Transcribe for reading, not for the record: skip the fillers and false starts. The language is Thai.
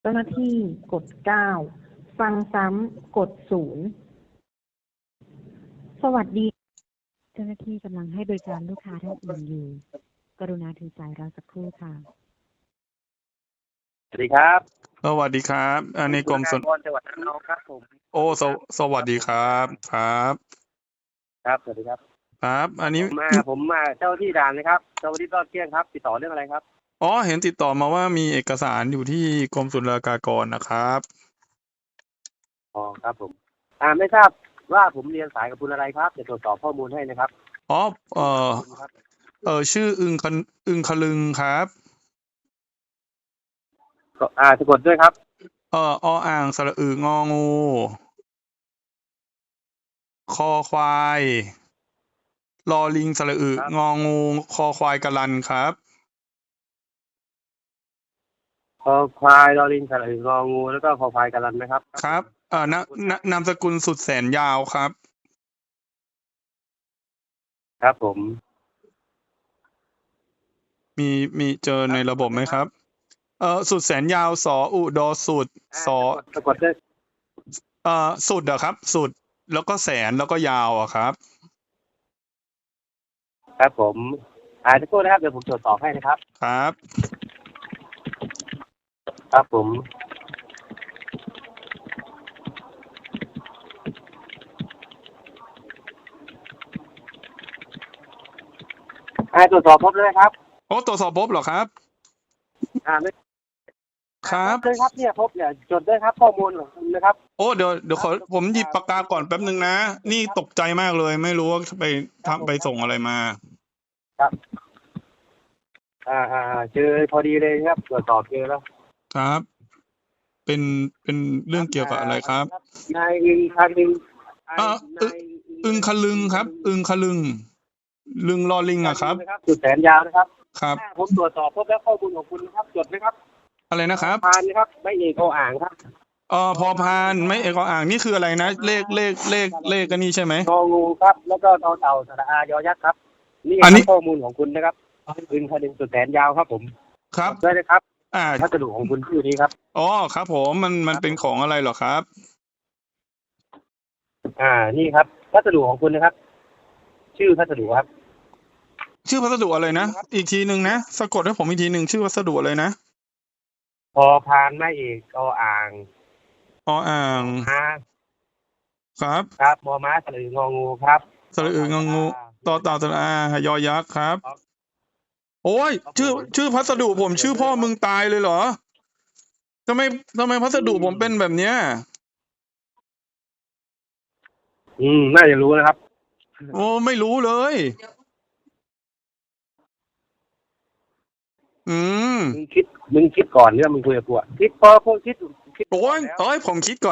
เจ้าหน้าที่กด9ฟังซ้ำกด0สวัสดีเจ้าหน้าที่กำลังให้บริการลูกค้าท่านอื่นอยู่กรุณาถือสายรอสักครู่ค่ะสวัสดีครับสวัสดีครับอันนี้กรมสนจังหวัดระนองครับผมโอ้สวัสดีครับครับครับสวัสดีครับครับอันนี้ผมมาเจ้าที่ด่านนะครับเจ้าที่รอดเที่ยงครับติดต่อเรื่องอะไรครับอ๋อเห็นติดต่อมาว่ามีเอกสารอยู่ที่กรมศุลกากรนะครับอ๋อครับผมไม่ทราบว่าผมเรียนสายกับคุณอะไรครับจะตรวจสอบข้อมูลให้นะครับอ๋อชื่ออึงคลึงครับก็สะกดด้วยครับอ่างสระอึงองูคอควายลอลิงสระอึงองูคอควายกะลันครับคอควายลอลิงสระอึงองูแล้วก็คอควายกะลันนะครับครับนามสกุลสุดแสนยาวครับครับผมมีเจอในระบบไหมครับสุดแสนยาวสออุดอสุดสอสะกดด้วยสุดอะครับสุดแล้วก็แสนแล้วก็ยาวอะครับครับผมสักครู่นะครับเดี๋ยวผมตรวจสอบให้นะครับครับครับผมตรวจสอบพบเลยครับโอ้ตรวจสอบพบเหรอครับไม่ครับเลยครับเนี่ยพบเนี่ยจดด้วยครับข้อมูลของคุณนะครับโอ้เดี๋ยวขอผมหยิบปากกาก่อนแป๊บนึงนะนี่ตกใจมากเลยไม่รู้ว่าไปส่งอะไรมาครับเจอพอดีเลยครับตรวจสอบเจอแล้วครับเป็นเรื่องเกี่ยวกับอะไรครับนายอึงคลึงอึงคลึงครับอึงคลึงลึงลอลิงอะครับจุดแสนยาวนะครับครับผมตรวจสอบพบแล้วข้อมูลของคุณนะครับจดไหมครับอะไรนะครับพานนะครับไม่เอกอ่างครับพอพานไม่เอกอ่างนี่คืออะไรนะเลขกันนี่ใช่ไหมงองูครับแล้วก็ตอเต่าสระอายอยักษ์ครับนี่ข้อมูลของคุณนะครับอึงคลึงจุดแสนยาวครับผมครับได้เลยครับพัสดุของคุณชื่อนี้ครับอ๋อครับผมมันเป็นของอะไรเหรอครับนี่ครับพัสดุของคุณนะครับชื่อพัสดุครับชื่อพัสดุอะไรนะอีกทีหนึ่งนะสะกดให้ผมอีกทีหนึ่งชื่อพัสดุอะไรนะพอพานไม่เอกอ่างอ่างครับครับมอม้าสระอึงองูครับสระอึงองูต่อเต่าสระอายอยักษ์ครับโอ้ยชื่อพัสดุผมชื่อพ่อมึงตายเลยเหรอทำไมพัสดุผมเป็นแบบเนี้ยน่าจะรู้นะครับโอ้ไม่รู้เลยมึงคิดก่อนเนี่ยมึงคุยกับกูคิดพอคิดโอ้ยผมคิดก่อน